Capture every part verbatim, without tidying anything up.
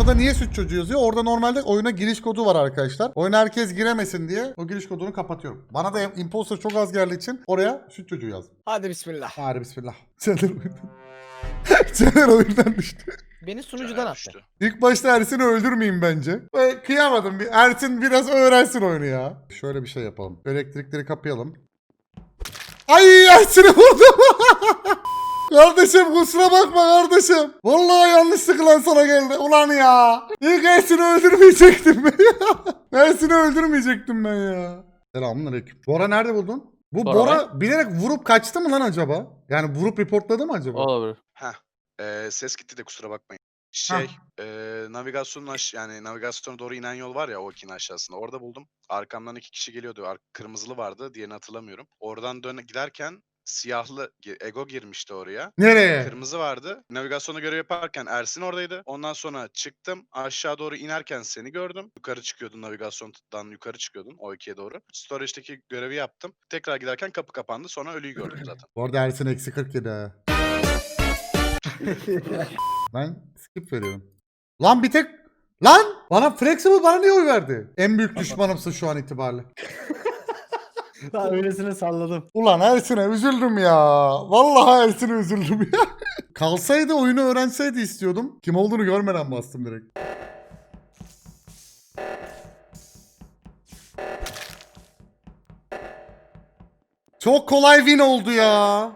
Orada niye süt çocuğu yazıyor? Orada normalde oyuna giriş kodu var arkadaşlar. Oyuna herkes giremesin diye o giriş kodunu kapatıyorum. Bana da imposter çok az geldiği için oraya süt çocuğu yazdım. Hadi bismillah. Hadi bismillah. Caner oyundan. Caner oyundan düştü. Beni sunucudan attı. Düştü. İlk başta Ersin'i öldürmeyeyim bence. Ve kıyamadım. Bir Ersin biraz öğrensin oyunu ya. Şöyle bir şey yapalım. Elektrikleri kapayalım. Ay Ersin'i vurdum. Kardeşim kusura bakma kardeşim. Vallahi yanlışlıkla sana geldi. Ulan ya. İlk Ersin'i öldürmeyecektim ben ya. Ersin'i öldürmeyecektim ben ya. Selamünaleyküm. Bora nerede buldun? Bu Bora Bora bilerek vurup kaçtı mı lan acaba? Yani vurup reportladı mı acaba? Olabilir. Ee, ses gitti de kusura bakmayın. Şey, e, navigasyonun aş yani navigasyona doğru inen yol var ya o ikinin aşağısında. Orada buldum. Arkamdan iki kişi geliyordu. Ar kırmızılı vardı. Diğerini hatırlamıyorum. Oradan dön giderken siyahlı Ego girmişti oraya. Nereye? Kırmızı vardı. Navigasyona görev yaparken Ersin oradaydı. Ondan sonra çıktım. Aşağı doğru inerken seni gördüm. Yukarı çıkıyordun navigasyondan yukarı çıkıyordun o ikiye doğru. Storage'deki görevi yaptım. Tekrar giderken kapı kapandı. Sonra ölüyü gördüm zaten. Bu arada Ersin eksi kırk yedi ha. Ben skip veriyorum. Lan bir tek... Lan! Bana Flexible bana niye oy verdi? En büyük düşmanımsın şu an itibariyle. Ben öylesine salladım. Ulan Ersin'e üzüldüm ya. Vallahi Ersin'e üzüldüm ya. Kalsaydı oyunu öğrenseydi istiyordum. Kim olduğunu görmeden bastım direkt. Çok kolay win oldu ya.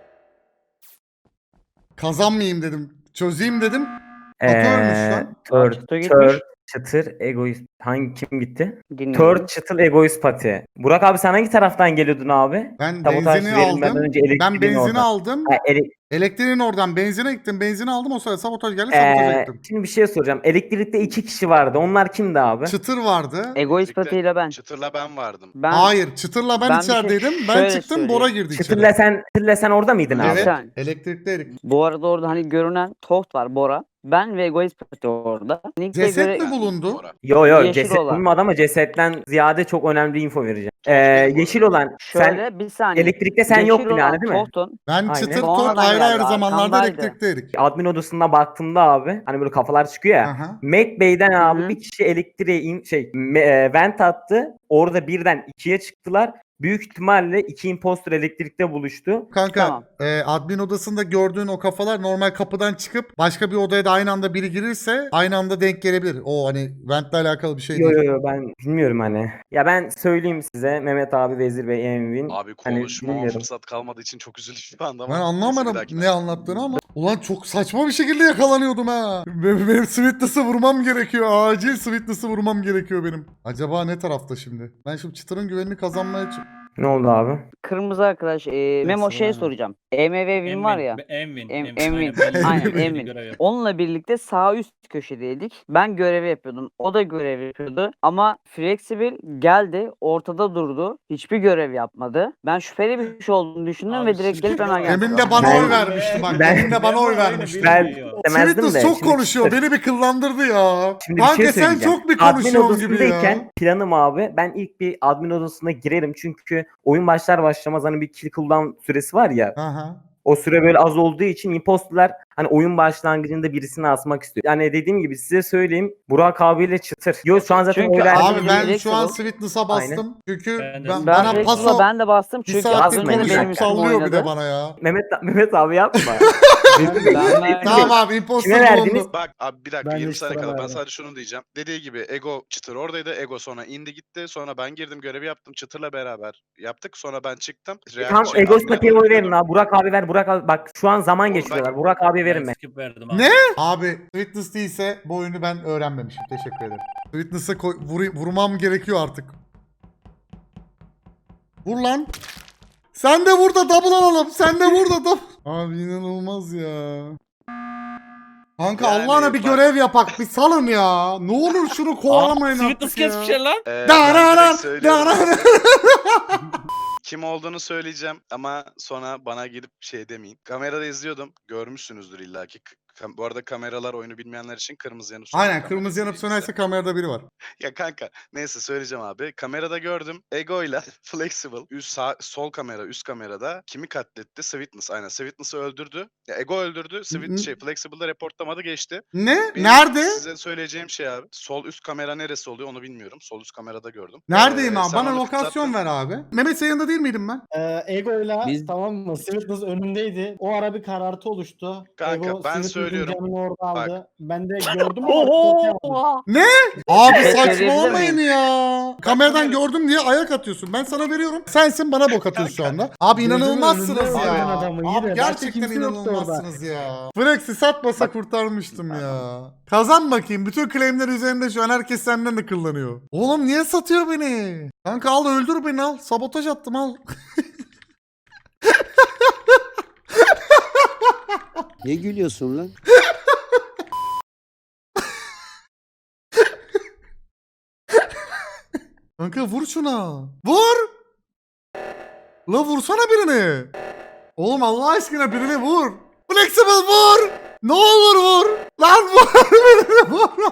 Kazanmayayım dedim. Çözeyim dedim. Atıyormuş lan. Tör, Çıtır gitmiş. tör, çıtır, egoist. Hangi kim gitti? Dinliyorum. Tör, çıtır, egoist pati. Burak abi sen hangi taraftan geliyordun abi? Ben Sabotaj benzini verilmeden aldım. önce elektriğin Ben benzini oradan. aldım. Ha, ele- Elektriğin oradan benzine gittim. Benzini aldım. O sırada sabotaj geldi. Sabotaja Ee, gittim. şimdi bir şey soracağım. Elektrikte iki kişi vardı. Onlar kimdi abi? Çıtır vardı. Egoist Birlikte patiyle ben. Çıtırla ben vardım. Ben Hayır. Çıtırla ben, ben bir şey içerideydim. ben şöyle çıktım. söyleyeyim. Bora girdi Çıtırla içeri. sen, çıtırla sen orada mıydın abi? Evet. Sen. Elektrikteydik. Bu arada orada hani görünen Toht var, Bora. Ben ve Egoist pati orada. Nick'e Ceset göre mi bulundu? Bora. Yo yo Yeşil ceset olan. bulunmadı ama cesetten ziyade çok önemli bir info vereceğim. Ee, benim bu yeşil arada. olan şöyle sen bir saniye. elektrikte sen Yeşil yoktun olan yani değil mi? Toht'un Ben Aynen. çıtır Sonradan top ayrı ayrı geldi, zamanlarda arkamdaydı. elektrikteydik. Admin odasına baktığımda abi hani böyle kafalar çıkıyor ya. Aha. Mac Bey'den abi Hı hı. bir kişi elektriğe in, şey me- e, vent attı. Orada birden ikiye çıktılar. Büyük ihtimalle iki imposter elektrikte buluştu. Kanka Tamam. e, admin odasında gördüğün o kafalar normal kapıdan çıkıp başka bir odaya da aynı anda biri girirse aynı anda denk gelebilir. O hani ventle alakalı bir şey Yo değil. yo yo ben bilmiyorum hani. Ya ben söyleyeyim size Mehmet abi, Vezir Bey, Envin. Abi Hani konuşmama bilmiyorum. fırsat kalmadığı için çok üzüldüm şu anda ama. Ben neyse, bir anlamadım dahakine. ne anlattığını ama ulan çok saçma bir şekilde yakalanıyordum ha. Benim, benim Sweetness'ı vurmam gerekiyor. Acil Sweetness'ı vurmam gerekiyor benim. Acaba ne tarafta şimdi? Ben şimdi çıtırın güvenini kazanmaya ç- Ne oldu abi? kırmızı arkadaş. E, Memo şey Neyse, soracağım. E M V Win var ya. Envin. Em- Envin. Envin. Aynen, Aynen, belli bir Envin. görev yap. Onunla birlikte sağ üst köşedeydik. Ben görevi yapıyordum. O da görev yapıyordu. Ama Flexible geldi. Ortada durdu. Hiçbir görev yapmadı. Ben şüpheli bir şey olduğunu düşündüm Abi ve direkt şimdi- gelip hemen geldim. Emin de bana Ben- oy vermişti bak. Ben- Emin de bana oy vermişti. Ben Bilmiyor. demezdim de. Sweetness çok şimdi konuşuyor. çıtır. Beni bir kıllandırdı ya. Şimdi bir Kanka şey sen söyleyeceğim. çok bir Admin konuşuyorsun gibi odasındayken ya. planım abi ben ilk bir admin odasına girerim çünkü oyun başlar başlamaz hani bir kill cooldown süresi var ya. Aha. O süre böyle az olduğu için imposterlar hani oyun başlangıcında birisini asmak istiyor. Yani dediğim gibi size söyleyeyim Burak abiyle çıtır. Yo şu an zaten Çünkü oy verdim. Abi ben direkt şu an bu. Sweetness'a bastım. Çünkü Ben de- ben, Ben bana Ben paso Flexible'a ben de bastım bir çünkü az saattir önce de konuşup benim üstüme sallıyor bir oynadı. de bana ya. Mehmet Mehmet abi yapma. Ben verdim. Tamam abi imposter Kime verdiniz? bulundu. Bak abi bir dakika Ben yirmi de saniye sıra kala ben verdim. sadece şunu diyeceğim. Dediği gibi Ego Çıtır oradaydı. Ego sonra indi gitti. Sonra ben girdim görevi yaptım. Çıtır'la beraber yaptık. Sonra ben çıktım. Real- Tam şey, Egos admin'e Pati'ye doğru oy verin gidiyordum. abi. Burak abi ver. Burak abi bak şu an zaman Oğlum geçiriyorlar. ben- Burak abi verin Ben mi? skip verdim abi. Ne? Abi Sweetness değilse bu oyunu ben öğrenmemişim. Teşekkür ederim. Sweetness'a koy- vuru- vurmam gerekiyor artık. Vur lan. Sen de vur da double alalım. Sen de vur da double. Abi inanılmaz ya. Kanka Yani Allah'ına bir bak- görev yapak. Bir salın ya. Ne olur şunu kovalamayın Sweetness artık ya. kesmiş lan. Ee, Dararan, ben direkt söylüyorum. dararan. Kim olduğunu söyleyeceğim ama sonra bana gidip şey demeyin. Kamerada izliyordum. Görmüşsünüzdür illaki. K- Kam- bu arada kameralar oyunu bilmeyenler için kırmızı yanıp Aynen kamera kırmızı yanıp izleyicisi. sönerse kamerada biri var. Ya kanka neyse söyleyeceğim abi. Kamerada gördüm. Ego ile Flexible üst sağ, sol kamera üst kamerada kimi katletti? Sweetness aynen. Sweetness'ı öldürdü. Ya Ego öldürdü. Sweet N- şey Flexible'da reportlamadı geçti. Ne? Benim Nerede? size söyleyeceğim şey abi. Sol üst kamera neresi oluyor onu bilmiyorum. Sol üst kamerada gördüm. Neredeyim Ee, abi? sen Bana onu lokasyon fırlattın. ver abi. Mehmet sen yanında değil miydim ben? Ee, Ego'yla Biz- tamam mı? Sweetness önümdeydi. O ara bir karartı oluştu. Kanka, Ego ben Sweetness'ın söylüyorum. canını orada Bak. aldı. Ben de gördüm ama korkamadım. Oho! Abi Evet, saçmalamayın verebilir ya. Kameradan kamera- gördüm diye ayak atıyorsun. Ben sana veriyorum. Sensin bana bok atıyorsun şu anda. Abi Gözümün inanılmazsınız önünde ya. öldüren adamı yine. Abi Başka gerçekten kimse yoktu orada. inanılmazsınız ya. Flex'i satmasa kurtarmıştım ya. Kazan bakayım. Bütün claimler üzerinde şu an herkes senden de kullanıyor. Oğlum niye satıyor beni? Kanka al öldür beni al. Sabotaj attım al. Ne gülüyorsun lan? Kanka vur şuna. Vur. La vursana birini. Oğlum Allah aşkına birini vur. Flexible vur. Ne olur vur. Lan vur birini vur.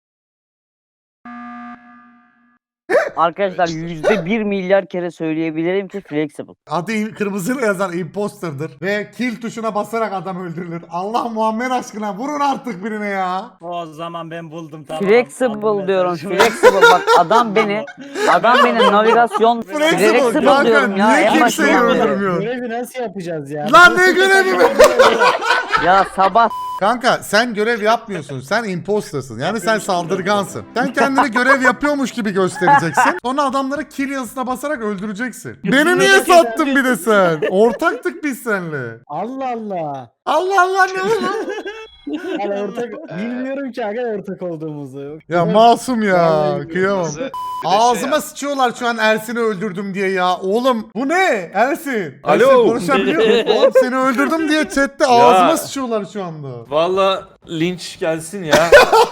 Arkadaşlar yüzde bir milyar kere söyleyebilirim ki Flexible. Adı im- kırmızıyla yazan imposterdır. Ve kill tuşuna basarak adam öldürülür. Allah Muhammed aşkına vurun artık birine ya. O zaman ben buldum tamam. Aldım Flexible diyorum. mesajı. Flexible bak adam beni adam beni navigasyon Flexible Flexible kanka diyorum ya. niye En kimseyi başından beri. öldürmüyor? Görevi nasıl yapacağız ya? Lan ne görevi mi? Ya sabah Kanka sen görev yapmıyorsun. Sen impostersın. Yani sen saldırgansın. Sen kendini görev yapıyormuş gibi göstereceksin. Sonra adamları kill yazısına basarak öldüreceksin. Beni niye sattın bir de sen? Ortaktık biz seninle. Allah Allah. Allah Allah ne oldu? Yani ortak bilmiyorum ki aga ortak olduğumuzu. Ya masum ya. Vallahi Kıyamam. Kırmızı, bir de şey Ağzıma yap. sıçıyorlar şu an Ersin'i öldürdüm diye ya. Oğlum bu ne? Ersin. Alo. Ersin konuşabiliyor musun? Oğlum seni öldürdüm diye chatte ağzıma sıçıyorlar şu anda. Valla linç gelsin ya.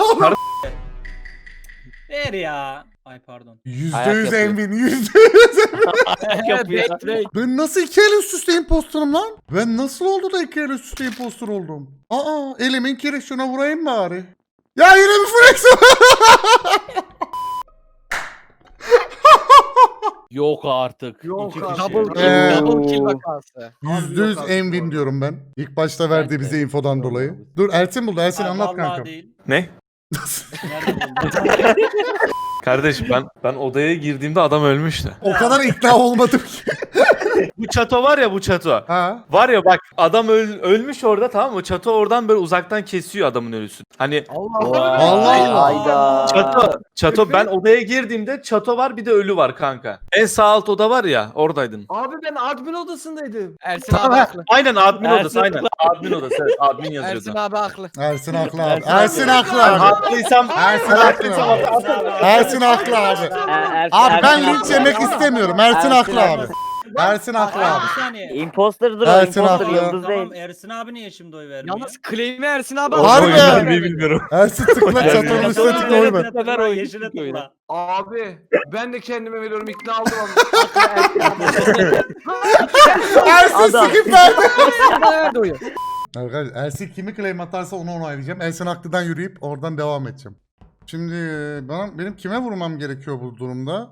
Ver ya. Ay pardon. Yüzde Ayak yüz yapıyor. emin. Yüzde yüz emin. Yapıyor. Ben nasıl iki el üst üste imposterim lan? Ben nasıl oldu da iki el üst üste imposter oldum? Aa elimin kiri şuna vurayım bari. Ya yine bir flex Yok artık. Yok İki artık. kişi. Double Ee, Double kill vakası. Yüzde yüz Envin diyorum ben. İlk başta verdiği Ben de. bize infodan dolayı. Dur Ersin buldu. Ersin Ay, anlat vallahi kankam. değil. Ne? Nerede buldun? Kardeş ben ben odaya girdiğimde adam ölmüştü. O kadar ikna olmadım ki. Bu çato var ya bu çato. Ha? Var ya bak adam öl- ölmüş orada tamam mı? Çato oradan böyle uzaktan kesiyor adamın ölüsünü. Hani Allah Allah Allah. Hayda. çato çato ben odaya girdiğimde çato var bir de ölü var kanka. En sağ alt oda var ya oradaydın. Abi ben admin odasındaydım. Ersin Tamam, abi ha, haklı. aynen admin Ersin odası aynen. Admin odası evet admin Ersin yazıyordu. abi haklı. Ersin haklı abi. Ersin Ersin haklı Ben abi. haklıysam Ersin haklı abi. Ersin haklı abi. Er- Abi Ersin ben haklı. linç yemek istemiyorum. Ersin Ersin haklı haklı. abi. Ersin haklı abi. Bir saniye. Imposter'dır o, Ersin imposter haklı. yıldız Tamam değil. Ersin abi niye şimdi oy vermiyor? Yalnız claim'i Ersin abi Harbi haklı. ya. Oyunu bilmiyorum. Ersin tıkla Yani- çatonun üstüne tıkla oy ver. Yeşile tıkla, Ver oyunu, yeşile tıkla oyunu. tıkla. Abi ben de kendime veriyorum ikna oldum Ersin Adam. skip verdi. Nerede oyu? Arkadaşlar Ersin kimi claim atarsa onu onaylayacağım. Ersin haklıdan yürüyüp oradan devam edeceğim. Şimdi bana, benim kime vurmam gerekiyor bu durumda?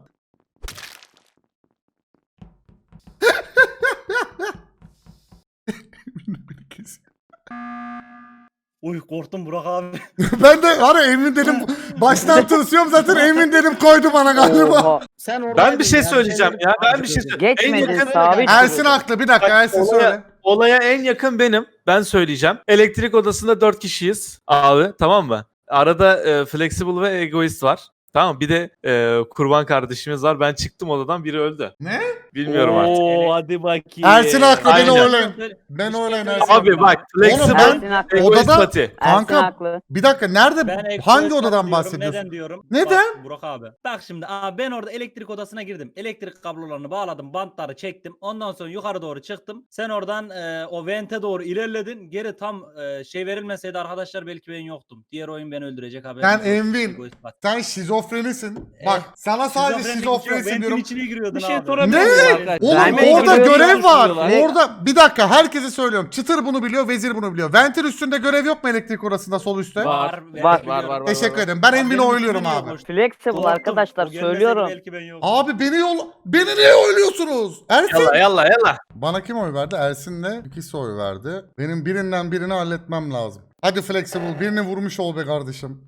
Uy korktum Burak abi. Ben de hani emin dedim baştan tırsıyorum zaten emin dedim koydu bana galiba. Oha. Sen oradaydın Ben bir şey ya, söyleyeceğim sen- ya. Ben bir şey söyleyeceğim. En Geçmedi yakın sabit. Ersin haklı bir dakika Ersin Olaya- söyle. Olaya en yakın benim. Ben söyleyeceğim. Elektrik odasında dört kişiyiz abi tamam mı? Arada e, Flexible ve Egoist var. Tamam bir de e, kurban kardeşimiz var. Ben çıktım odadan biri öldü. Ne? Bilmiyorum artık. Oo hadi bakayım. Ersin haklı beni Aynen. oylayın. Ben oylayın Ersin. Abi bak Oğlum Flexible, ben Ersin haklı. Egoist odada- Pati. Ersin Kanka haklı. bir dakika nerede Ben Egoist hangi diyorum, odadan bahsediyorsun? Neden diyorum? Neden? Bak, Burak abi. Bak şimdi abi ben orada elektrik odasına girdim. Elektrik kablolarını bağladım. Bantları çektim. Ondan sonra yukarı doğru çıktım. Sen oradan e, o vente doğru ilerledin. Geri tam e, şey verilmeseydi arkadaşlar belki ben yoktum. Diğer oyun beni öldürecek haberim Sen yok. Envin. Egoist bak. Sen şizofrenisin. Evet. Bak sana sadece Şizofrenlik yok, şizofrenisin ventin diyorum. içine giriyordun Bir şey abi. sorabilir Ne? miyim? Oğlum Ben orada görev görev var. yapıyorlar. Orada bir dakika herkese söylüyorum. Çıtır bunu biliyor, Vezir bunu biliyor. Vent'in üstünde görev yok mu elektrik odasında sol üstte? Var. Var. Var, var, var. Teşekkür ederim. Ben Abi Envin'i benim oyluyorum üstümde abi. yokmuş. Flexible Korktum. arkadaşlar O gelmeseydi söylüyorum. belki ben yoktum. Abi beni yol beni niye oyluyorsunuz? Ersin. Yalla yalla yalla. Bana kim oy verdi? Ersin'le ikisi oy verdi. Benim birinden birini halletmem lazım. Hadi Flexible birini vurmuş ol be kardeşim.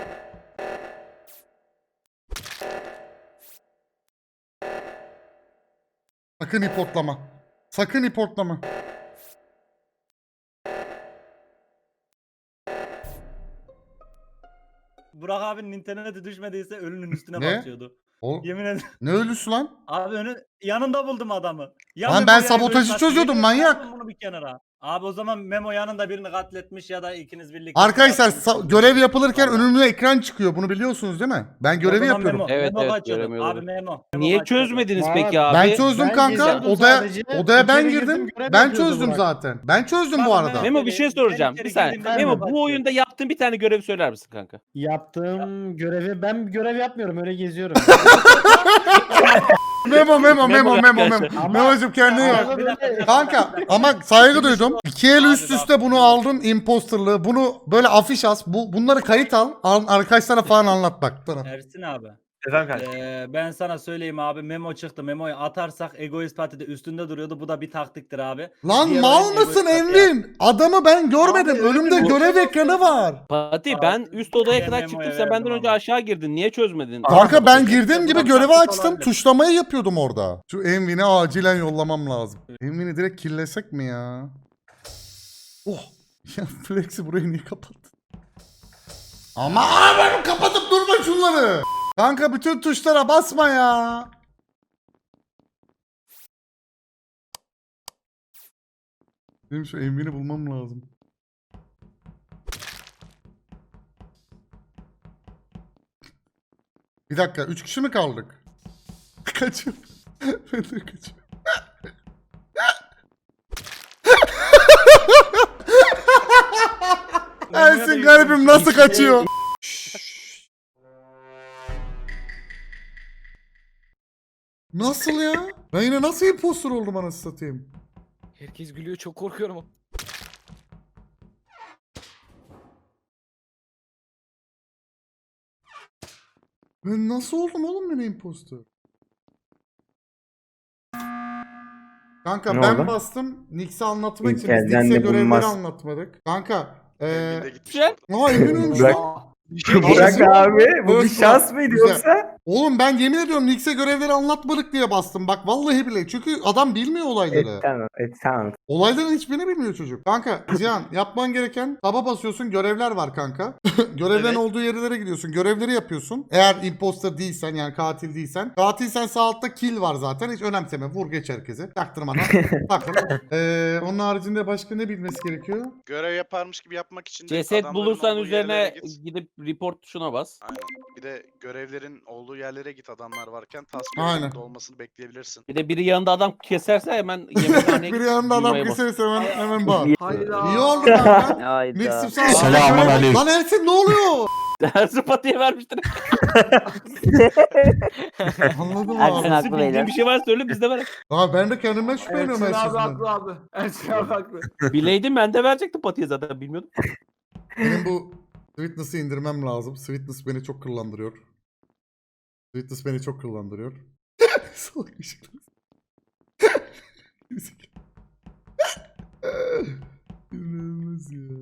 Sakın ipotlama. Sakın ipotlama. Burak abinin interneti düşmediyse ölünün üstüne Ne? basıyordu. O, Yemin ederim. ne ölüsü lan? Abi önü yanında buldum adamı. Ya Lan Memo ben ya sabotajı Ego'yu çözüyordum, katletmiş, manyak. yazdım Bunu bir kenara. Abi o zaman Memo yanında birini katletmiş ya da ikiniz birlikte. Arkadaşlar katletmiş sa- oldunuz. görev yapılırken Vallahi. önümde ekran çıkıyor. Bunu biliyorsunuz değil mi? Ben O görevi zaman yapıyorum. Memo, Evet, Memo evet, kaçıyordu. göremiyorum. Abi Memo. Memo Niye kaçıyordu. çözmediniz Var. peki abi? Ben çözdüm Ben kanka. geziyordum Odaya sadece. odaya ben İçeri girdim. girdim, görev Ben yapıyordu çözdüm Burak. zaten. Ben çözdüm bu Bak, arada. Memo- Memo bir şey soracağım. Ben Bir içeri saniye. girdiğimde Memo Memo bu oyunda yaptığın bir tane görevi söyler misin kanka? Yaptığım görevi ben görev yapmıyorum öyle geziyorum. Memo memo memo Memo memo arkadaşlar. memo. Ama- Memo'cum kendine Ama gel. böyle- Kanka ama saygı duydum. İki el Abi üst üste bak. bunu aldın imposterlığı. Bunu böyle afiş as. Bu bunları kayıt al. al arkadaşlara falan anlat bak. Bana. Ersin abi. Efendim kanka. Ee, ben sana söyleyeyim abi Memo çıktı. Memo'yu atarsak Egoist Parti'de üstünde duruyordu. Bu da bir taktiktir abi. Lan Diğer mal oyun mısın Egoist Parti Envin? Adamı ben görmedim. Abi, Önümde Envin, görev bu- ekranı var. Fatih Abi, ben üst odaya ben kadar Memo'ya çıktım. Sen benden verdim önce ama. aşağı girdin. Niye çözmedin? Kanka ben Abi, girdiğim gibi bu görevi taktik açtım. olabilir. Tuşlamayı yapıyordum orada. Şu Envin'i acilen yollamam lazım. Envin'i direkt killesek mi ya? Oh. Ya Flex'i burayı niye kapattın? Ama abi kapatıp durma şunları. Kanka bütün tuşlara basma ya. Benim şu Envin'i bulmam lazım. Bir dakika, üç kişi mi kaldık? Kaçıyorum. Ben de kaçıyorum. Ersin garibim nasıl kaçıyor? Nasıl ya? Ben yine nasıl impostor oldum anasını satayım? Herkes gülüyor çok korkuyorum. Ben nasıl oldum oğlum ben impostor? Kanka Ne ben oldu? bastım. Nix'i anlatmak İlk için biz elden Nix'e de görevleri bulunmaz. anlatmadık. Kanka eee... Envin de gitmiş Güzel. orada. Aa Emin ölmüş Bırak- lan. Bırak abi. Bu bir Öf, şans mıydı güzel. yoksa? Oğlum ben yemin ediyorum Nix'e görevleri anlatmadık diye bastım. Bak vallahi bile. Çünkü adam bilmiyor olayları. Evet tamam. Evet tamam. Olayların hiçbirini bilmiyor çocuk. Kanka Cihan yapman gereken taba basıyorsun görevler var kanka. Görevlerin Evet. olduğu yerlere gidiyorsun. Görevleri yapıyorsun. Eğer imposter değilsen yani katil değilsen. Katilsen sağ altta kill var zaten. Hiç önemseme. Vur geç herkese. Çaktırmadan. Takıl. Ee, onun haricinde başka ne bilmesi gerekiyor? Görev yaparmış gibi yapmak için de Ceset adamların bulursan olduğu yerlere üzerine git. gidip report tuşuna bas. Aynen. Bir de görevlerin olduğu yerlere git adamlar varken task Aynen. görevlerinde olmasını bekleyebilirsin. Bir de biri yanında adam keserse hemen yemekhaneye Bir gidip yanında adam duymaya bas. keserse hemen, hemen bağır. Hayda. İyi oldu kanka. Hayda. Nix'im sağ ol. Selamun aleyküm. Lan Ersin ne oluyor? Dersi Fatih'e vermiştir. Anladım Ersin abi. haklı Bildiğin beyler. bir şey var söyle biz de verelim. Abi ben de kendimden şüpheleniyorum şey her Ersin abi şeyden. haklı abi. Ersin abi haklı. Bileydim ben de verecektim Fatih'e zaten bilmiyordum. Benim bu Sweetness'ı indirmem lazım. Sweetness beni çok kıllandırıyor. Sweetness beni çok kıllandırıyor. Salak ışıklar. İnanılmaz ya.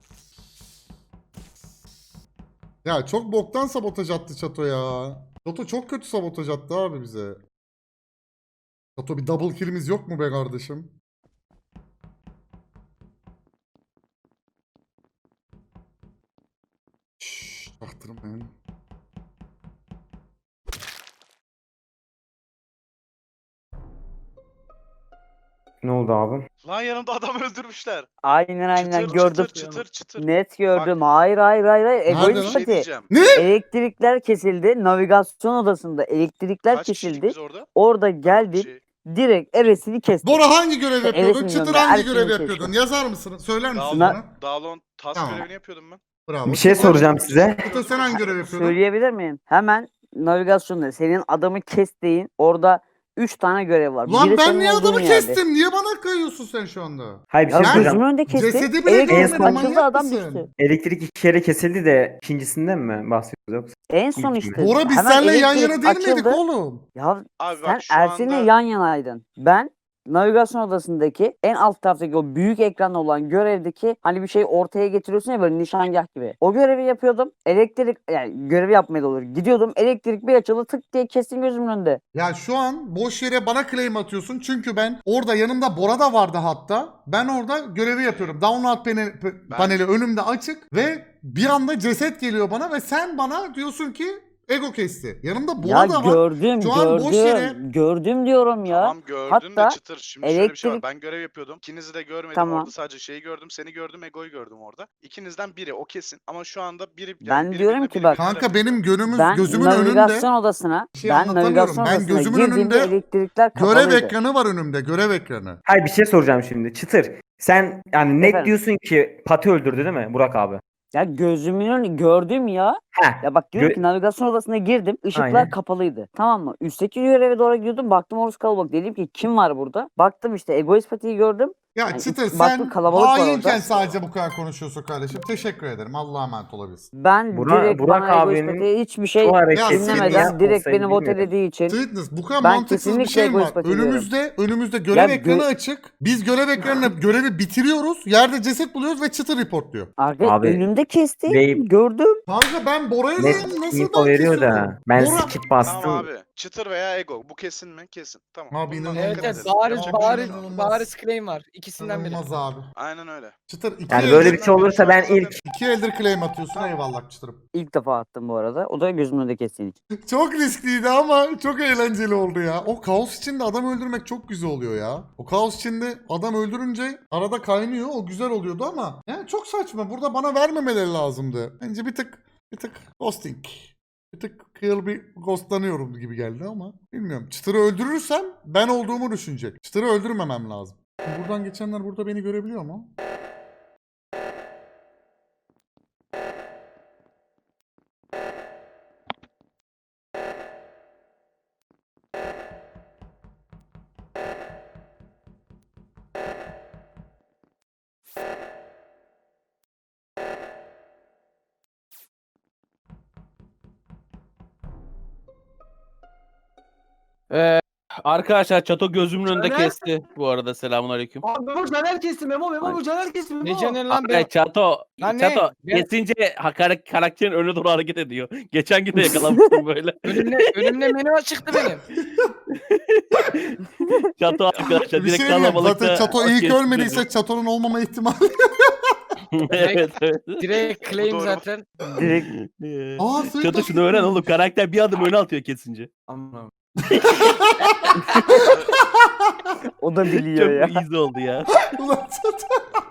Ya çok boktan sabotaj attı Çato ya. Çato çok kötü sabotaj attı abi bize. Çato bir double kill'imiz yok mu be kardeşim? Şşş, çaktırmayın. Ne oldu abi? Lan yanımda adam öldürmüşler. Aynen aynen Çıtır gördüm. çıtır çıtır çıtır. Net gördüm. Hayır hayır hayır hayır. Nerede Egoist lan? Bir şey Parti. diyeceğim. Elektrikler kesildi. Navigasyon odasında elektrikler Kaç kişiydik kesildi. biz orada? Orada Dört geldik. kişi. Direkt Eres'ini kestik. Bora hangi görev yapıyordun? Evesin Çıtır yanında, hangi Ersin'in görev keşke. yapıyordun? Yazar mısın? Söyler misin Dağılon, bana? Dağılon task Tamam. görevini yapıyordum ben. Bravo. Bir şey Çıtır- soracağım size. Çıtır sen hangi görev yapıyordun? Söyleyebilir miyim? Hemen navigasyonda senin adamı kestiğin orada üç tane görev var. Lan Biri ben senin niye olduğun adamı yerde. kestim? Niye bana kayıyorsun sen şu anda? Hayır bir Ya şey Ben- gözümün söyleyeceğim. önünde kesti. Cesedi bile Elektrik görmedim, açıldı, manyak adam mısın? düştü. Elektrik iki kere kesildi de ikincisinden mi bahsediyoruz yoksa? En son İlk mi? işte. Bora biz hemen seninle yan elektrik yana değil miydik açıldı. oğlum? Ya Abi sen bak şu Ersin'le anda yan yanaydın. Ben navigasyon odasındaki en alt taraftaki o büyük ekran olan görevdeki hani bir şey ortaya getiriyorsun ya böyle nişangah gibi. O görevi yapıyordum. Elektrik yani görevi yapmaya da olur. Gidiyordum elektrik bir açıldı tık diye kestim gözümün önünde. Ya şu an boş yere bana claim atıyorsun. Çünkü ben orada yanımda Bora da vardı hatta. Ben orada görevi yapıyorum. Download panel, p- Ben- paneli önümde açık ve bir anda ceset geliyor bana ve sen bana diyorsun ki ego kesti. Yanımda Bora Ya da var. gördüm Şu an boş yere- gördüm. Gördüm diyorum ya. tamam gördün Hatta de çıtır. Şimdi şöyle bir şey var. elektrik- Ben görev yapıyordum. İkinizi de görmedim. Tamam. Orada sadece şeyi gördüm. Seni gördüm. Ego'yu gördüm orada. İkinizden biri o kesin. Ama şu anda biri yani Ben biri diyorum birine, ki biri bak- birine Kanka bakıyor. benim gönlümüz Ben gözümün navigasyon önünde. odasına, Bir şey ben anlatamıyorum. navigasyon Ben odasına gözümün girdiğimde önünde elektrikler Görev kapalıydı. ekranı var önümde. Görev ekranı. Hayır bir şey soracağım şimdi. Çıtır. Sen yani net Efendim? diyorsun ki Pati öldürdü değil mi Burak abi? Ya gözümün önü gördüm ya. Heh. Ya bak diyorum Gö- ki navigasyon odasına girdim. Işıklar Aynen. kapalıydı. Tamam mı? Üstteki göreve doğru gidiyordum. Baktım orası kalabalık. Dedim ki kim var burada? Baktım işte Egoist Pati'yi gördüm. Ya Yani Çıtır iki- baktım sen kalabalık var hainken orada. sadece bu kadar konuşuyorsun kardeşim. Teşekkür ederim. Allah'a emanet olabilirsin. Ben Burak- direkt Burak bana Egoist abinin Pati'ye hiçbir şey Şu hareketi Ya dinlemeden Sweetness direkt olsaydı beni vote bilmiyorum. elediği için Sweetness bu kadar Ben mantıksız bir kesinlikle şey mi var? egoist bakıyorum. Önümüzde önümüzde görev Ya gö- ekranı açık. Biz görev ekranına görevi bitiriyoruz. Yerde ceset buluyoruz ve Çıtır reportluyor. arka Abi, önümde kesti. Bey- Gördüm. Kanka ben Bora'ya Net diyorum, nasıl info ben veriyor kesiyorum? da. Ben Bora- skip bastım. Tamam abi. Çıtır veya Ego. Bu kesin mi? Kesin. Tamam. Abi Bundan inanılmaz. Evet dikkat evet edelim. bariz Yapacak bir şey bariz yok. İnanılmaz. bariz claim var. İkisinden biri. İnanılmaz abi. Aynen öyle. Çıtır iki, Yani böyle eldir, bir şey olursa ben Zaten- ilk iki eldir claim atıyorsun. Eyvallah Çıtır'ım. İlk defa attım bu arada. O da gözümün önünde kestiğin için. Çok riskliydi ama çok eğlenceli oldu ya. O kaos içinde adam öldürmek çok güzel oluyor ya. O kaos içinde adam öldürünce arada kaynıyor. O güzel oluyordu ama yani çok saçma. Burada bana vermemeleri lazımdı. Bence bir tık bir tık ghosting. Bir tık kıyıl bir ghostlanıyorum gibi geldi ama bilmiyorum. Çıtır'ı öldürürsem ben olduğumu düşünecek. Çıtır'ı öldürmemem lazım. Buradan geçenler burada beni görebiliyor mu? Ee, arkadaşlar Çato gözümün önünde Caner? kesti bu arada. Selamünaleyküm. Abi Memo Caner kesti Memo Memo bu Caner kesti Memo. Ne canın lan Abi be? Çato, Lan ne? Çato Ben- kesince hakar- karakterin önüne doğru hareket ediyor. Geçen gün de yakalamıştım böyle. Önümde, önümde menü çıktı benim. Çato arkadaşlar Bir şey direkt diyeyim. kalabalıkta. Zaten Çato iyi kesti ölmediyse Çato'nun olmama ihtimali. beni. Evet evet. Direkt claim doğru. zaten. Direkt Aa, Sweet Çato Nasıl şunu öğren yapıyor? oğlum. Karakter bir adım öne atıyor kesince. o da biliyor Çok ya. easy oldu ya. Ulan Çato.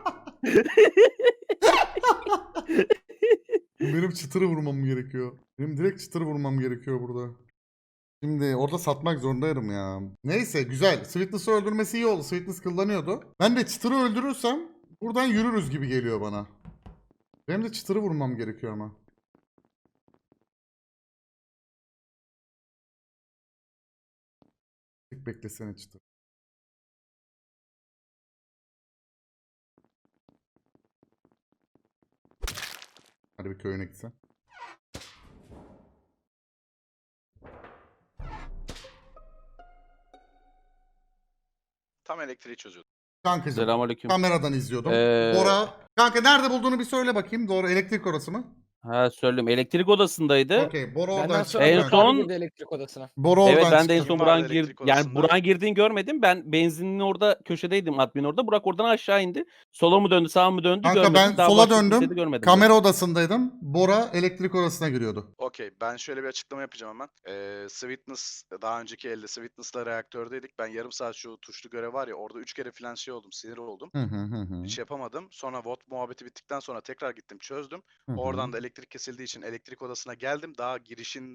Benim çıtırı vurmam gerekiyor. Benim direkt çıtırı vurmam gerekiyor burada. Şimdi orada satmak zorundayım ya. Neyse güzel. Sweetness'ı öldürmesi iyi oldu. Sweetness kullanıyordu. Ben de çıtırı öldürürsem buradan yürürüz gibi geliyor bana. Benim de çıtırı vurmam gerekiyor ama. Tek beklesene çıtır. Hadi bir köyüne gitsen. Tam elektriği çözüyordu. Kankacığım. Selamünaleyküm. Kameradan izliyordum. Ee, Bora. Kanka nerede bulduğunu bir söyle bakayım. Doğru elektrik orası mı? Ha söyleyeyim. Elektrik odasındaydı. Okey. Bora oradan Benden çıktı. sonra En kanka. Burak son- girdi elektrik odasına. Bora oradan Evet ben de en çıktı. son Vardı Burak'ın gir elektrik yani odasında. Burak'ın girdiğini görmedim. Ben benzinin orada köşedeydim admin orada. Burak oradan aşağı indi. Sola mı döndü, sağa mı döndü Kanka görmedim. ben Daha sola başka döndüm. kimseyi de görmedim. Kamera odasındaydım. Bora elektrik odasına giriyordu. Okey, ben şöyle bir açıklama yapacağım hemen. Ee, Sweetness, daha önceki elde Sweetness'la reaktördeydik. Ben yarım saat şu tuşlu görev var ya, orada üç kere falan şey oldum, sinir oldum. Hı hı hı hı. Hiç yapamadım. Sonra V O T muhabbeti bittikten sonra tekrar gittim, çözdüm. Hı hı. Oradan da elektrik kesildiği için elektrik odasına geldim. Daha girişinde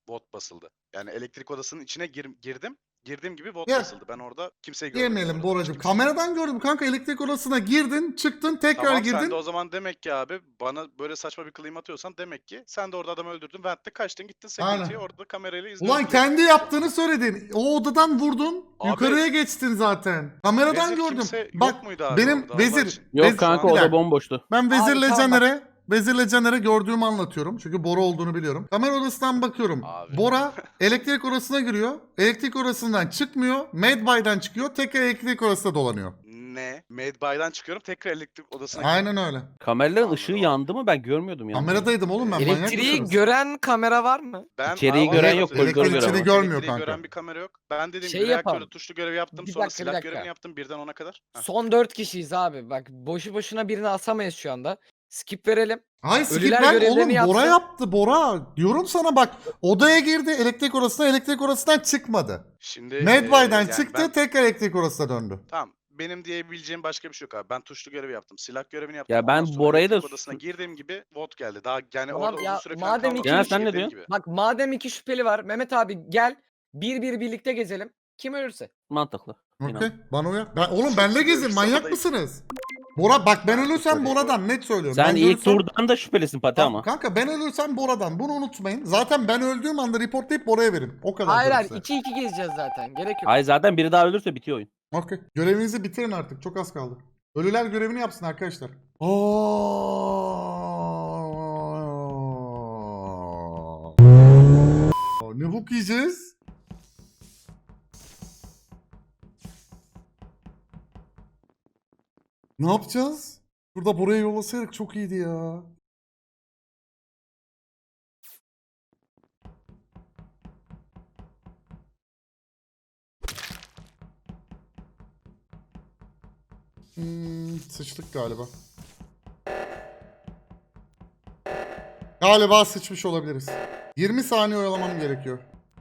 Vot basıldı. Yani elektrik odasının içine gir- girdim. Girdiğim gibi vot Ya. basıldı. Ben orada kimseyi görmedim. Yemeyelim orada. Boracığım. Kimse- Kameradan gördüm kanka, elektrik odasına girdin, çıktın, tekrar Tamam girdin. sen de o zaman demek ki abi bana böyle saçma bir claim atıyorsan demek ki sen de orada adamı öldürdün. Vent'te kaçtın gittin security'ye Aynen. orada kamerayla izliyorsun. Ulan kendi yaptığını söyledin. O odadan vurdun. Abi- yukarıya geçtin zaten. Kameradan Vezir gördüm. kimse yok Bak muydu abi benim orada? Allah vezir. için. Yok Vezir- kanka bir o da dakika. bomboştu. Ben Vezir'le tamam bak. Caner'e Vezir'le Caner'e gördüğümü anlatıyorum. Çünkü Bora olduğunu biliyorum. Kamera odasından bakıyorum. Abi. Bora elektrik odasına giriyor. Elektrik odasından çıkmıyor. Medbay'dan çıkıyor. Tekrar elektrik odasında dolanıyor. Ne? Medbay'dan çıkıyorum tekrar elektrik odasına Aynen öyle. Kameraların Anladım. ışığı yandı mı? Ben görmüyordum yani. Kameradaydım oğlum ben. manyak Elektriği mısınız? gören kamera var mı? Ben İçeriği Aa, gören evet, yok, elektrik koridoru gören içini var. görmüyor elektriği kanka. gören bir kamera yok. Ben dediğim Şey gibi reaktörde yapalım. tuşlu görevi yaptım. Bir Sonra dakika, bir silah dakika. görevini yaptım. Birden ona kadar. Heh. Son dört kişiyiz abi. Bak boşu boşuna birini asamayız şu anda. Skip verelim. Hayır skip Ölüler ben görevlerini oğlum Bora yapsın. yaptı Bora. Diyorum sana bak, odaya girdi elektrik odasına, elektrik odasından çıkmadı. Şimdi Medbay'dan eee, yani çıktı, ben- tekrar elektrik odasına döndü. Tamam. Benim diyebileceğim başka bir şey yok abi. Ben tuşlu görevi yaptım. Silah görevini yaptım. Ya ben Ondan sonra Bora'yı da elektrik odasına su- girdiğim gibi vote geldi. Daha yani Tamam orada ya, uzun süre falan madem kalmadım. iki- Ya sen ne Girdiğim diyorsun? gibi. Bak madem iki şüpheli var. Mehmet abi gel. Bir bir birlikte gezelim. Kim ölürse. Mantıklı. Okey. İnan. Bana uyar. Ben, oğlum benle gezin, Görüş manyak sahadayım. mısınız? Bora bak, ben ölürsem Şüpheli. Bora'dan, net söylüyorum. Sen ben ilk ölürsem- turdan da şüphelisin Pati Tamam, ama. kanka ben ölürsem Bora'dan, bunu unutmayın. Zaten ben öldüğüm anda reportlayıp Bora'ya verin. O kadar. Hayır diyorum hayır. size. iki iki gezeceğiz zaten. Gerek yok. Hayır zaten biri daha ölürse bitiyor oyun. Okey. Görevinizi bitirin artık. Çok az kaldı. Ölüler görevini yapsın arkadaşlar. Aa! Ne bok yiyeceğiz? Ne yapacağız? Burada buraya yollasaydık çok iyiydi ya. Hmm, sıçtık galiba. Galiba sıçmış olabiliriz. yirmi saniye oyalamam gerekiyor.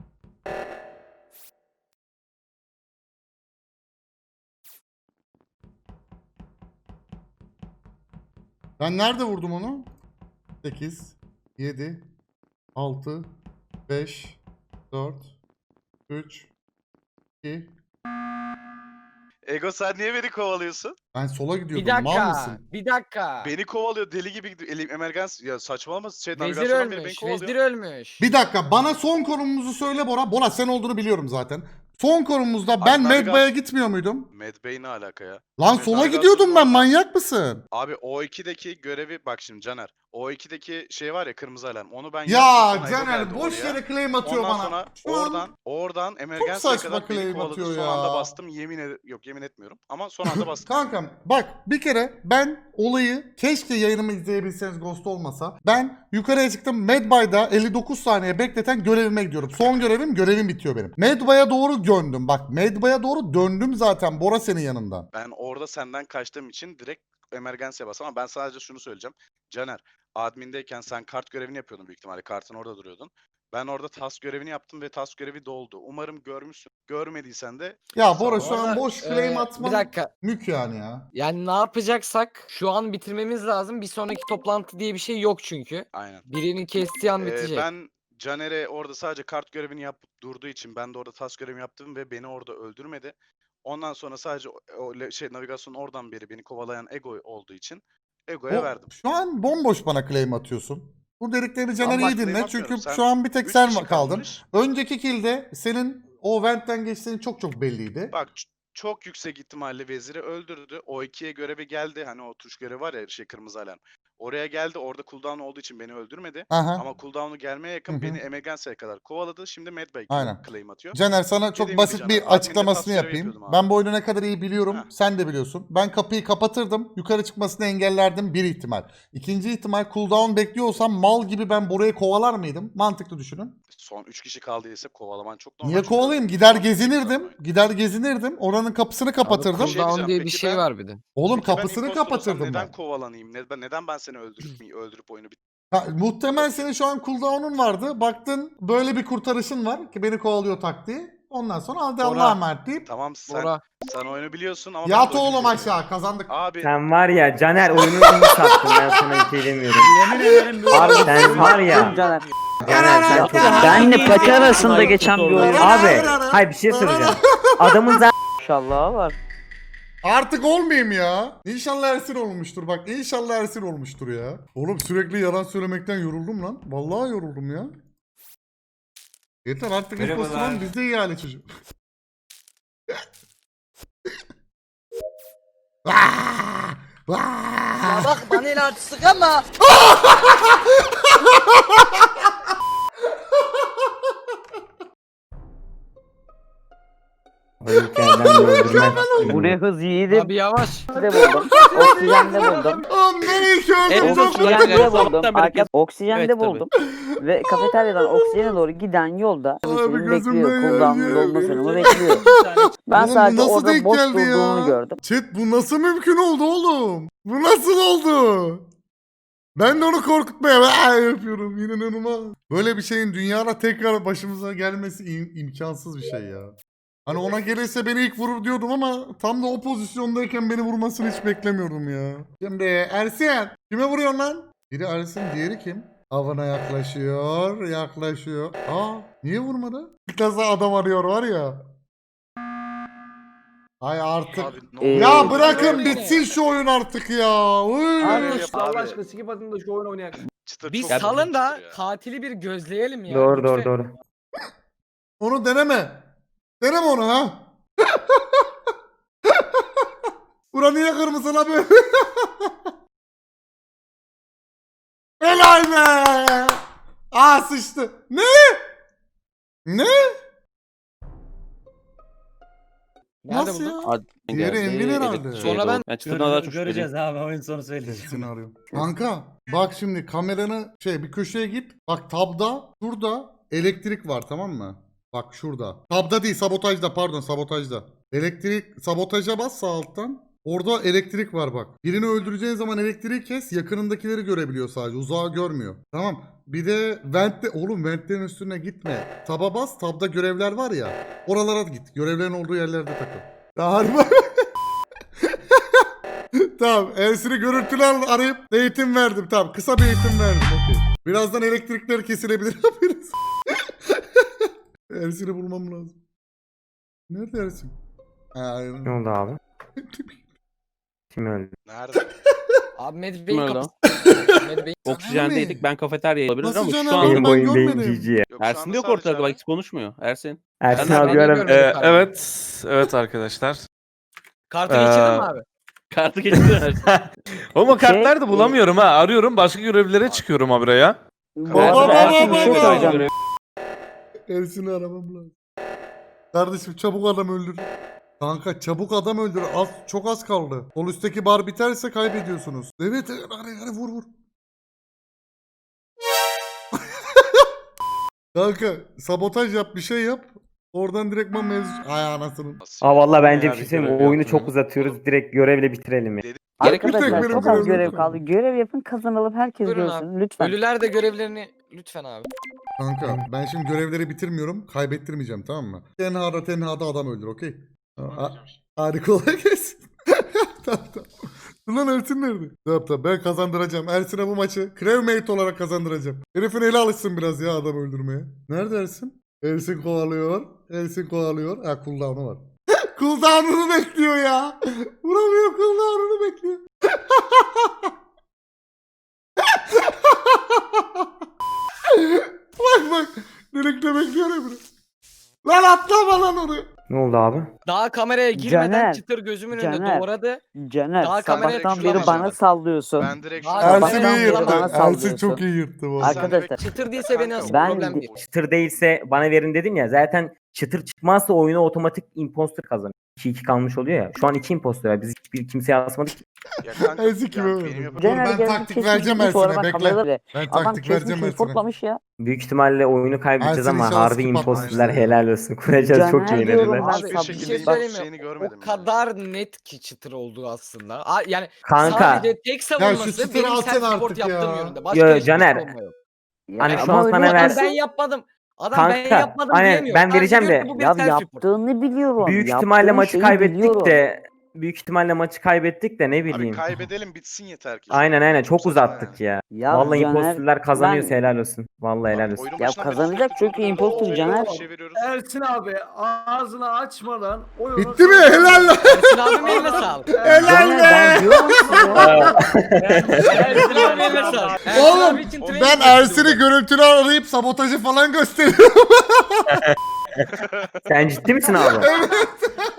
Ben nerede vurdum onu? sekiz, yedi, altı, beş, dört, üç, iki. Ego sen niye beni kovalıyorsun? Ben sola Bir gidiyordum. Mal dakika. mısın? Bir dakika. Beni kovalıyor deli gibi gidiyor. Elim emergans ya saçmalama şey Vezir navigasyondan beri beni ölmüş. kovalıyor. Vezir ölmüş. Bir dakika, bana son konumumuzu söyle Bora. Bora sen olduğunu biliyorum zaten. Son konumumuzda Abi ben navigas- Medbay'a gitmiyor muydum? Medbay ne alaka ya? Lan Abi sola navigasyonun gidiyordum ben, orada- manyak mısın? Abi O iki'deki görevi bak şimdi Caner. O iki'deki şey var ya kırmızı alarm. Onu ben Ya yaptım, sonra Ego Caner geldi boş oraya. yere claim atıyor Ondan bana. sonra Şu an- oradan oradan emergency'ye saçma kadar beni claim kovaladı. atıyor Son ya. anda bastım. Yemin ed yok yemin etmiyorum. Ama son anda bastım. Kankam bak, bir kere ben olayı, keşke yayınımı izleyebilseniz Ghost olmasa. Ben yukarıya çıktım, Medbay'da elli dokuz saniye bekleten görevime gidiyorum. Son görevim, görevim bitiyor benim. Medbay'a doğru döndüm. Bak Medbay'a doğru döndüm zaten, Bora senin yanından. Ben orada senden kaçtığım için direkt emergency'ye bastım ama ben sadece şunu söyleyeceğim. Caner, admindeyken sen kart görevini yapıyordun büyük ihtimalle. Kartın orada duruyordun. Ben orada task görevini yaptım ve task görevi doldu. Umarım görmüşsün. Görmediysen de Ya Bora Sağ şu ol. an Orada, boş claim Ee, atman Bir dakika. mük yani ya. Yani ne yapacaksak şu an bitirmemiz lazım. Bir sonraki toplantı diye bir şey yok çünkü. aynen. Birinin kestiği an Ee, bitecek. ben Caner'e orada sadece kart görevini yapıp durduğu için ben de orada task görevimi yaptım ve beni orada öldürmedi. Ondan sonra sadece o, o le- şey navigasyonun oradan beri beni kovalayan Ego olduğu için Ego'ya O- verdim. Şu an bomboş bana claim atıyorsun. Bu dediklerini Caner bak iyi claim dinle atmıyorum. çünkü Sen- şu an bir tek Üç sen kişi kaldın. kalmış. Önceki kill'de senin o vent'ten geçtiğin çok çok belliydi. Bak ç- çok yüksek ihtimalle veziri öldürdü. O ikiye görevi geldi. Hani o tuş görevi var ya şey kırmızı alarm. Oraya geldi. Orada cooldown olduğu için beni öldürmedi. Aha. Ama cooldown'u gelmeye yakın Hı hı. beni emergency'ye kadar kovaladı. Şimdi Medbay Aynen. claim atıyor. Caner sana çok Dediğim gibi basit Caner, bir adminde açıklamasını tasviri yapayım. yapıyordum abi. Ben bu oyunu ne kadar iyi biliyorum. Heh. Sen de biliyorsun. Ben kapıyı kapatırdım. Yukarı çıkmasını engellerdim. Bir ihtimal. İkinci ihtimal, cooldown bekliyorsam mal gibi ben burayı kovalar mıydım? Mantıklı düşünün. Son üç kişi kaldıysa kovalaman çok normal. Niye çünkü kovalayayım? öldürdün. Gider Son gezinirdim. üç kişi Gider gezinirdim. Oranın kapısını kapatırdım. Bir şey Cooldown diyeceğim, diye bir peki şey ben- var bir de. Oğlum Peki ben kapısını imposter olsam kapatırdım neden ben. kovalanayım? Neden, neden ben seni öldürüp öldürüp oyunu bit? Ha, muhtemelen senin şu an cooldown'un vardı. Baktın böyle bir kurtarışın var ki beni kovalıyor taktiği. Ondan sonra hadi Bora. Allah'a emanet deyip Tamam sen Bora. sen oyunu biliyorsun ama ben yat de oyunu oğlum bilmiyorum. aşağı, kazandık. Abi Sen var ya Caner oyunu iyi sattın, ben sana bir şey demiyorum. Yemin ederim böyle Abi bir sen şey var yok. ya. Caner. Caner sen çok... Benle iyi Pati bir arasında olay geçen bir oldu. oyun. Abi hayır bir şey söyleyeceğim. Adamın zaten İnşallah var. Artık olmayayım ya. İnşallah Ersin olmuştur bak. İnşallah Ersin olmuştur ya. Oğlum sürekli yalan söylemekten yoruldum lan. Vallahi yoruldum ya. Yeter artık imposter lan biz de ihale çocuk. Vaa! Vaa! bak bana el artistik ama. o hikayeden öldürmez. Buraya hız yiğidim Abi yavaş. de buldum. Oksijende buldum. Oğlum nereye kördüm Evet, çok Oksijende Evet, buldum. sabahtan beri Arka, kes- oksijende Evet, tabii. buldum. Ve kafeteryadan oksijene doğru giden yolda gözümden bekliyor. geldi. Cooldown'un dolma sürümü bekliyor. Ben Oğlum bu sadece nasıl orada denk boş geldi ya? durduğunu gördüm. Chat bu nasıl mümkün oldu oğlum? Bu nasıl oldu? Ben de onu korkutmaya "Vaa!" yapıyorum. İnanılmaz. Böyle bir şeyin dünyada tekrar başımıza gelmesi im- imkansız bir şey ya. Hani ona gelirse beni ilk vurur diyordum ama tam da o pozisyondayken beni vurmasını hiç beklemiyordum ya. Şimdi Ersin kime vuruyorsun lan? Biri Ersin diğeri kim? Avına yaklaşıyor, yaklaşıyor. Aa niye vurmadı? Bir kaza adam arıyor var ya. Ay artık. Abi, ne Ee, oluyor? Ya bırakın Öyle. bitsin şu oyun artık ya. Uy. Abi, Allah abi. aşkına skip atın da şu oyunu oynayalım. Çıtır Bir çok salın büyük da çıtır ya. katili bir gözleyelim ya. Doğru doğru lütfen. doğru. Onu deneme. Deneme onu ha. Bura niye kırmızı la böyle? Helal be. Aa sıçtı. Ne? Ne? Nerede Nasıl buldun? ya? Admin Diğeri geldi, Envin herhalde. evet, Sonra doğru. ben- Ben çıtırdan daha çok Göreceğiz şüpheliyim. abi oyun sonu söyleyeceğim. Seni arıyorum. Kanka bak şimdi kameranı şey bir köşeye git. Bak tabda şurada elektrik var tamam mı? Bak şurada. Tabda değil sabotajda pardon sabotajda. Elektrik sabotaja bas sağ alttan. Orada elektrik var bak. Birini öldüreceğin zaman elektriği kes yakınındakileri görebiliyor sadece uzağı görmüyor. Tamam. Bir de ventte oğlum ventlerin üstüne gitme. Taba bas tabda görevler var ya. Oralara git. Görevlerin olduğu yerlerde takıl. Ya harbi. Tamam. Ersin'i görüntülü al- arayıp eğitim verdim. Tamam. Kısa bir eğitim verdim. Okey. Birazdan elektrikler kesilebilir. Haberiniz. Ersin'i bulmam lazım. Nerede Ersin? Ha, aynen. Ne oldu abi? Kim öldü? Nerede? Abi Med Kim Bey'in öldü? kapısı. Med Bey'in Oksijendeydik, ben kafeteryaya olabilir Nasıl ama Caner şu abi? an Benim ben boyun değil görmedim. G G. Yok, şu Ersin anda de yok sadece ortada, bak abi. hiç konuşmuyor. Ersin. Ersin Ben- abi ben de ara. görmedim. Ee, abi. evet. Evet arkadaşlar. Kartı Ee, geçirdin mi abi? Kartı geçti Ersin. Oğlum o Şey, kartları da bulamıyorum ha. Arıyorum başka görevlere çıkıyorum ha buraya. Baba Ersin- baba Ersin bir şey baba. söyleyeceğim. Ersin'i aramam lazım. Kardeşim çabuk adam öldür. Kanka çabuk adam öldür. Az, çok az kaldı. Sol üstteki bar biterse kaybediyorsunuz. Evet evet hadi, hadi vur vur. Kanka sabotaj yap bir şey yap. Oradan direktman mevzu... Ay anasının. Nasıl Aa ya? vallahi bence Ya bir bir şey söyleyeyim mi? görev Oyunu yapmıyor. çok uzatıyoruz. Direkt görevle bitirelim ya. Dedik- Gerek yok. Arkadaşlar benim çok az görevim görev yok. kaldı. Görev yapın kazanalım herkes Buyurun görsün. Lütfen. Ölüler de görevlerini lütfen abi. Kanka ben şimdi görevleri bitirmiyorum. Kaybettirmeyeceğim tamam mı? Tenhada tenhada adam öldür okey. Ha- Hadi kolay gelsin. Tamam tamam. Dur lan Ersin nerede? Tamam tamam ben kazandıracağım. Ersin'e bu maçı crewmate olarak kazandıracağım. Herifin eli alışsın biraz ya adam öldürmeye. Nerede Ersin? Ersin kovalıyor. Ersin kovalıyor. Ha cooldown'u var. Cooldown'unu bekliyor ya. Vuramıyor cooldown'unu bekliyor. Bak bak. Direkte bekliyor ya bunu. Lan atlama lan oraya. Ne oldu abi? Daha kameraya girmeden Caner, çıtır gözümün önünde Caner. doğradı. Caner Daha kameraya sabahtan şuradan beri bana başladı. sallıyorsun. Ben direkt Abi, şuna ben- Ersin Sabahtan iyi beri yırttı. bana Ersin sallıyorsun. çok iyi yırttı bu arada. Arkadaşlar Çıtır değilse beni asın. Ben Problem de- değil. Çıtır değilse bana verin dedim ya. Zaten çıtır çıkmazsa oyunu otomatik imposter kazanıyor. iki iki kalmış oluyor ya. Şu an iki imposter var. Biz hiçbir kimseye asmadık ki. Ya kanka, Ersin kime yani verdi? benim yapacağım- Dur, Caner ben geldi taktik kesmiş vereceğim gitmiş, sonra Ersin'e, ben bekle. kamerada bile- Ben Adam taktik kesmiş vereceğim Ersin'e. reportlamış ya. Büyük ihtimalle oyunu kaybedeceğiz Ersin ama inşallah harbi skip imposterler atmazlar. helal olsun. Kuracağız çok Caner iyi diyorum yeniler. ben Hiçbir sana. Bir şekilde şey söyleyeyim şeyini mi? görmedim O kadar net ki çıtır olduğu aslında. A- Yani Kanka. sadece tek savunması çıtırı benim atın self artık report ya. yaptığım yönünde. Yo, Başka hiçbir Caner. savunma yok. Hani Ya şu ama an öyle sana Adam ver- yaparsan- ben yapmadım. Adam Kanka, ben yapmadım aynen, diyemiyor. ben Sadece vereceğim diyor de- ki bu bir Ya self report. yaptığını biliyorum. Büyük yaptığın ihtimalle maçı şeyi kaybettik biliyorum. de büyük ihtimalle maçı kaybettik de ne Abi bileyim. kaybedelim bitsin yeter ki. Aynen aynen çok saçma uzattık yani. ya. Ya Vallahi Caner, impostörler kazanıyorsa ben- helal olsun. Vallahi helal olsun. Oyunun Ya başından beri kazanacak sürekli çünkü vuruyoruz, impostor çeviriyoruz, Caner. çeviriyoruz. Ersin abi ağzını açmadan oyunu... Bitti mi? Helal lan. Ersin abim eline sağlık. Helal Caner be. ben diyorum size. Ersin abim eline sağlık. Ersin Oğlum abi için ben training Ersin'i yaptım. görüntülü arayıp sabotajı falan gösteriyorum. Sen ciddi misin abi?